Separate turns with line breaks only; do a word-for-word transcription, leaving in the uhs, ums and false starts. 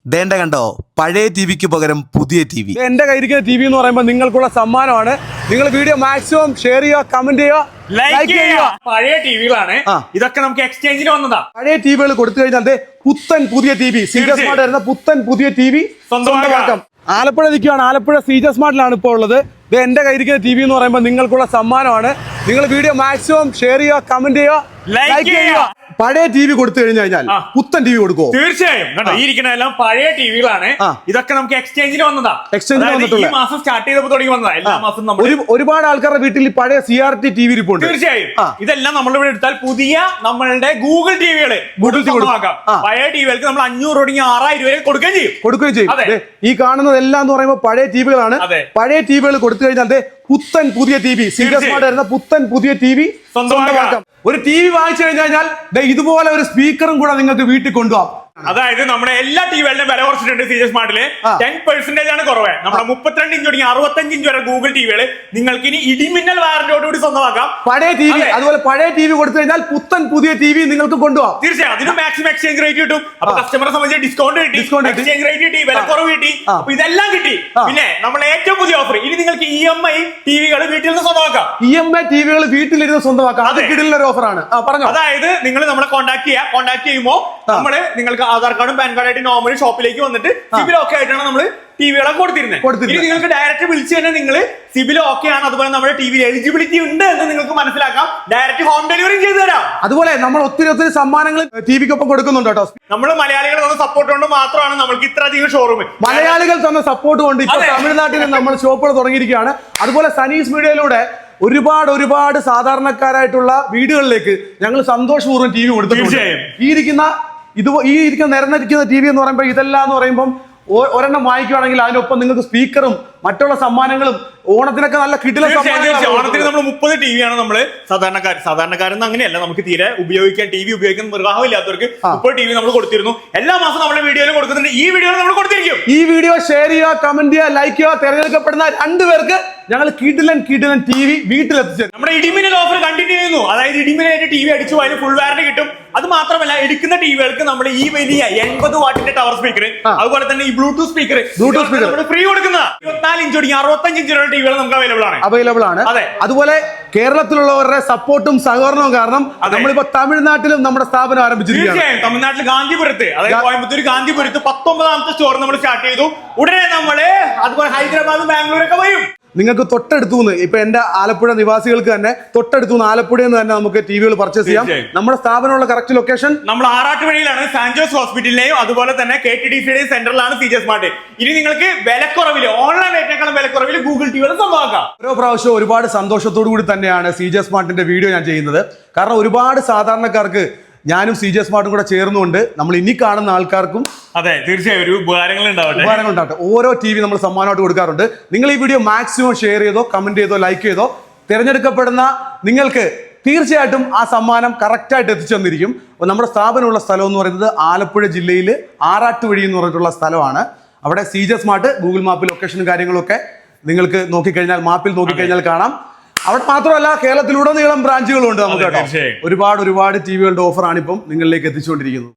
ദേണ്ട കണ്ടോ പഴയ ടി വിക്ക് പകരം പുതിയ ടി വി.
എന്റെ കയ്യിരിക്കുന്ന ടി വി എന്ന് പറയുമ്പോൾ നിങ്ങൾക്കുള്ള സമ്മാനമാണ്. നിങ്ങൾ വീഡിയോ മാക്സിമം ഷെയർ ചെയ്യുക, കമന്റ് ചെയ്യുക, ലൈക്ക് ചെയ്യുക.
പഴയ ടിവികളാണ് ഇതൊക്കെ, നമുക്ക് എക്സ്ചേഞ്ചിന് വന്നതാ.
പഴയ ടിവികൾ കൊടുത്തു കഴിഞ്ഞാൽ പുത്തൻ പുതിയ T V, C J smart വരുന്ന പുത്തൻ പുതിയ ടി വി സ്വന്തമാക്കാം. ആലപ്പുഴ നിൽക്കുകയാണ്. ആലപ്പുഴ സി ജെ സ്മാർട്ടിലാണ് ഇപ്പോൾ ഉള്ളത്. ഇത് എന്റെ കയ്യിരിക്കുന്ന ടി വി എന്ന് പറയുമ്പോൾ നിങ്ങൾക്കുള്ള സമ്മാനമാണ്. നിങ്ങൾ വീഡിയോ മാക്സിമം ഷെയർ ചെയ്യുക, കമന്റ് ചെയ്യുക, ലൈക്ക് ചെയ്യുക. പഴയ ടി വി കൊടുത്തു കഴിഞ്ഞു കഴിഞ്ഞാൽ പുത്തൻ ടി വി കൊടുക്കുമോ?
തീർച്ചയായും. കണ്ടോ, ഈ ഇരിക്കുന്നതെല്ലാം പഴയ ടിവികളാണ്. ഇതൊക്കെ നമുക്ക് എക്സ്ചേഞ്ചിന് വന്നതാ.
എക്സ്ചേഞ്ചിന്
ഈ മാസം സ്റ്റാർട്ട് ചെയ്തപ്പോൾ തുടങ്ങി വന്നതാ. എല്ലാ മാസം നമ്മൾ
ഒരുപാട് ആൾക്കാരുടെ വീട്ടിൽ പഴയ C R T T V ഇരിപ്പുണ്ട്.
തീർച്ചയായും ഇതെല്ലാം നമ്മളിവിടെ എടുത്താൽ പുതിയ നമ്മളുടെ ഗൂഗിൾ ടിവികള് ഗൂഗിൾ കൊടുക്കാം. പഴയ ടിവികൾക്ക് നമ്മൾ അഞ്ഞൂറ് തുടങ്ങി ആറായിരം രൂപ കൊടുക്കുകയും ചെയ്യും
കൊടുക്കുകയും ചെയ്യും. ഈ കാണുന്നതെല്ലാം എന്ന് പറയുമ്പോൾ പഴയ ടിവികളാണ്. പഴയ ടിവികൾ കൊടുത്തു കഴിഞ്ഞാൽ പുത്തൻ പുതിയ T V, C J smart വരുന്ന പുത്തൻ പുതിയ ടി വി സ്വന്തമാക്കാം. ഒരു ടി വി വാങ്ങിച്ചു കഴിഞ്ഞാൽ ഇതുപോലെ ഒരു സ്പീക്കറും കൂടെ നിങ്ങൾക്ക് വീട്ടിൽ കൊണ്ടുപോകാം.
അതായത് നമ്മുടെ എല്ലാ ടിവികളുടെയും വില കുറച്ചിട്ടുണ്ട്. സി ജെ സ്മാർട്ടില് ടെൻ പെർസെന്റേജ് ആണ് കുറവ്. നമ്മുടെ മുപ്പത്തിരണ്ട് ഇഞ്ച് തുടങ്ങി അറുപത്തഞ്ച് ഇഞ്ച് വരെ ഗൂഗിൾ ടിവികള് നിങ്ങൾക്ക് ഇനി ഇടിമിന്നൽ വാറന്റിയോടുകൂടി സ്വന്തമാക്കാം.
പഴയ ടി വി, അതുപോലെ പഴയ ടി വി കൊടുത്തു കഴിഞ്ഞാൽ പുത്തൻ പുതിയ ടി വി നിങ്ങൾക്ക് കൊണ്ടുപോകാം.
തീർച്ചയായും അതിന് മാക്സിമം എക്സ്ചേഞ്ച് റേറ്റ് കിട്ടും. അപ്പൊ കസ്റ്റമറെ സംബന്ധിച്ച് ഡിസ്കൗണ്ട് കിട്ടി, എക്സ്ചേഞ്ച് റേറ്റ് കിട്ടി, വില കുറവ് കിട്ടി. അപ്പൊ ഇതെല്ലാം കിട്ടി. പിന്നെ നമ്മളെ ഏറ്റവും പുതിയ ഓഫർ, ഇനി നിങ്ങൾക്ക് ഇ എം ഐ ടിവികൾ വീട്ടിൽ നിന്ന് സ്വന്തമാക്കാം.
ഇ എം ഐ ടിവികൾ വീട്ടിലിരുന്ന് സ്വന്തമാക്കാം. അത് കിടിലൻ ഒരു ഓഫറാണ്.
അതായത് നിങ്ങൾ നമ്മളെ കോൺടാക്ട് ചെയ്യുക. കോൺടാക്ട് ചെയ്യുമ്പോൾ നമ്മള് നിങ്ങൾക്ക് ആധാർ കാർഡും പാൻ കാർഡ് ആയിട്ട് നോർമലി ഷോപ്പിലേക്ക് വന്നിട്ട് സിബിൽ ഓക്കെ ആയിട്ടാണ് നമ്മൾ ടിവികളൊക്കെ കൊടുത്തിരുന്നത്. ഇനി നിങ്ങൾക്ക് ഡയറക്റ്റ് വിളിച്ച് തന്നെ നിങ്ങൾ സിബിൽ ഓക്കെ ആണ്, അതുപോലെ നമ്മുടെ ടിവിയിൽ എലിജിബിലിറ്റി ഉണ്ട് എന്ന് നിങ്ങൾക്ക് മനസ്സിലാക്കാം. ഡയറക്റ്റ് ഹോം ഡെലിവറി ചെയ്തു തരാം.
അതുപോലെ നമ്മൾ ഒത്തിരി ഒത്തിരി സമ്മാനങ്ങൾ ടിവിക്കൊപ്പം കൊടുക്കുന്നുണ്ട് കേട്ടോ.
നമ്മൾ മലയാളികൾ തന്ന സപ്പോർട്ട് കൊണ്ട് മാത്രമാണ് നമ്മൾക്ക് ഇത്ര അധികം ഷോറൂം.
മലയാളികൾ തന്ന സപ്പോർട്ട് കൊണ്ട് ഇപ്പൊ തമിഴ്നാട്ടിൽ നമ്മൾ ഷോപ്പുകൾ തുടങ്ങിയിരിക്കുകയാണ്. അതുപോലെ സനീസ് മീഡിയയിലൂടെ ഒരുപാട് ഒരുപാട് സാധാരണക്കാരായിട്ടുള്ള വീടുകളിലേക്ക് ഞങ്ങൾ സന്തോഷപൂർവ്വം ടി വി കൊടുത്തിട്ടുണ്ട്. ഈ ഇരിക്കുന്ന ഇത് ഈ ഇരിക്കുന്ന നിരന്നിരിക്കുന്ന ടി വി എന്ന് പറയുമ്പോൾ ഇതെല്ലാം എന്ന് പറയുമ്പോൾ ഒരെണ്ണം വാങ്ങിക്കുകയാണെങ്കിൽ അതിനൊപ്പം നിങ്ങൾക്ക് സ്പീക്കറും മറ്റുള്ള സമ്മാനങ്ങളും ഓണത്തിനൊക്കെ നല്ല കിടില
ഓണത്തിന് നമ്മൾ മുപ്പത് ടി വിയാണ് നമ്മള് സാധാരണക്കാർ സാധാരണക്കാരെന്ന് അങ്ങനെയല്ല, നമുക്ക് തീരെ ഉപയോഗിക്കാൻ ടി വി ഉപയോഗിക്കാൻ നിർവാഹം ഇല്ലാത്തവർക്ക് മുപ്പത് ടി വി നമ്മൾ കൊടുത്തിരുന്നു. എല്ലാ മാസം നമ്മുടെ വീഡിയോയിൽ കൊടുക്കുന്നുണ്ട്. ഈ വീഡിയോ നമ്മൾ കൊടുത്തിരിക്കും.
ഈ വീഡിയോ ഷെയർ ചെയ്യുക, കമന്റ് ചെയ്യുക, ലൈക്ക് ചെയ്യുക. തിരഞ്ഞെടുക്കപ്പെടുന്ന രണ്ടുപേർക്ക് ഞങ്ങൾ കിടിലൻ കിടിലൻ ടി വി വീട്ടിലെത്തിച്ചു.
നമ്മുടെ ഇടിമിന്നൽ ഓഫർ കണ്ടിന്യൂ ചെയ്യുന്നു. അതായത് ഇടിമിന്നലായിട്ട് ടി വി അടിച്ചു അതിന് ഫുൾ വാറന്റി കിട്ടും. അത് മാത്രമല്ല എടുക്കുന്ന ടിവികൾക്ക് നമ്മൾ ഈ വലിയ എൺപത് വാട്ടിന്റെ ടവർ സ്പീക്കർ, അതുപോലെ തന്നെ ഈ Bluetooth speaker
Bluetooth speaker
free കൊടുക്കുന്ന ഇരുപത്തിനാല് ഇഞ്ച് തുടങ്ങി അറുപത്തഞ്ച് ഇഞ്ച് ടിവികൾ നമുക്ക് അവൈലബിൾ ആണ്
അവൈലബിൾ ആണ് അതെ. അതുപോലെ കേരളത്തിലുള്ളവരുടെ സപ്പോർട്ടും സഹകരണവും കാരണം നമ്മളിപ്പോ തമിഴ്നാട്ടിലും നമ്മുടെ സ്ഥാപനം ആരംഭിച്ചിരിക്കുകയാണ്.
തീർച്ചയായും തമിഴ്നാട്ടിൽ ഗാന്ധിപുരത്ത്, അതായത് കോയമ്പത്തൂർ ഗാന്ധിപുരത്ത് പത്തൊമ്പതാമത്തെ സ്റ്റോർ നമ്മൾ സ്റ്റാർട്ട് ചെയ്തു. ഉടനെ നമ്മള് അതുപോലെ ഹൈദരാബാദ് ബാംഗ്ലൂരൊക്കെ വരും.
നിങ്ങൾക്ക് തൊട്ടടുത്തുനിന്ന് ഇപ്പൊ എന്റെ ആലപ്പുഴ നിവാസികൾക്ക് തന്നെ തൊട്ടടുത്തുനിന്ന് ആലപ്പുഴയിൽ നിന്ന് തന്നെ നമുക്ക് ടിവികൾ പർച്ചേസ് ചെയ്യാം. നമ്മുടെ സ്ഥാപനമുള്ള കറക്റ്റ് ലൊക്കേഷൻ നമ്മൾ
ആറാട്ടുവഴിയിലാണ്, സാൻജോസ് ഹോസ്പിറ്റലിലെയും അതുപോലെ തന്നെ കെ ടി ഡി സിയുടെയും സെന്ററിലാണ് സി ജെ സ്മാർട്ട്. ഇനി നിങ്ങൾക്ക് വിലക്കുറവിൽ ഓൺലൈൻ റേറ്റിനേക്കാളും വിലക്കുറവിൽ ഗൂഗിൾ ടിവികൾ സ്വന്തമാക്കാം.
ഓരോ പ്രാവശ്യവും ഒരുപാട് സന്തോഷത്തോടു കൂടി തന്നെയാണ് സി ജെ സ്മാർട്ടിന്റെ വീഡിയോ ഞാൻ ചെയ്യുന്നത്. കാരണം ഒരുപാട് സാധാരണക്കാർക്ക് ഞാനും സി ജെ സ്മാർട്ടും കൂടെ ചേർന്നുകൊണ്ട് നമ്മൾ ഇനി കാണുന്ന ആൾക്കാർക്കും
അതെ തീർച്ചയായും ഒരു ഉപകാരങ്ങൾ ഉണ്ടാവട്ടെ
ഉപകാരങ്ങൾ ഉണ്ടാവട്ടെ. ഓരോ ടി വി നമ്മൾ സമ്മാനമായിട്ട് കൊടുക്കാറുണ്ട്. നിങ്ങൾ ഈ വീഡിയോ മാക്സിമം ഷെയർ ചെയ്തോ, കമന്റ് ചെയ്തോ, ലൈക്ക് ചെയ്തോ തിരഞ്ഞെടുക്കപ്പെടുന്ന നിങ്ങൾക്ക് തീർച്ചയായിട്ടും ആ സമ്മാനം കറക്റ്റായിട്ട് എത്തിച്ചു തന്നിരിക്കും. നമ്മുടെ സ്ഥാപനമുള്ള സ്ഥലം എന്ന് പറയുന്നത് ആലപ്പുഴ ജില്ലയിൽ ആറാട്ടുവഴി എന്ന് പറഞ്ഞിട്ടുള്ള സ്ഥലമാണ്. അവിടെ സി ജെ സ്മാർട്ട് ഗൂഗിൾ മാപ്പിൽ ലൊക്കേഷനും കാര്യങ്ങളൊക്കെ നിങ്ങൾക്ക് നോക്കിക്കഴിഞ്ഞാൽ മാപ്പിൽ നോക്കിക്കഴിഞ്ഞാൽ കാണാം. അവിടെ മാത്രമല്ല കേരളത്തിലുടനീളം ബ്രാഞ്ചുകളുണ്ട് നമുക്ക് കേട്ടോ. ഒരുപാട് ഒരുപാട് ടിവികളുടെ ഓഫറാണ് ഇപ്പം നിങ്ങളിലേക്ക് എത്തിച്ചുകൊണ്ടിരിക്കുന്നത്.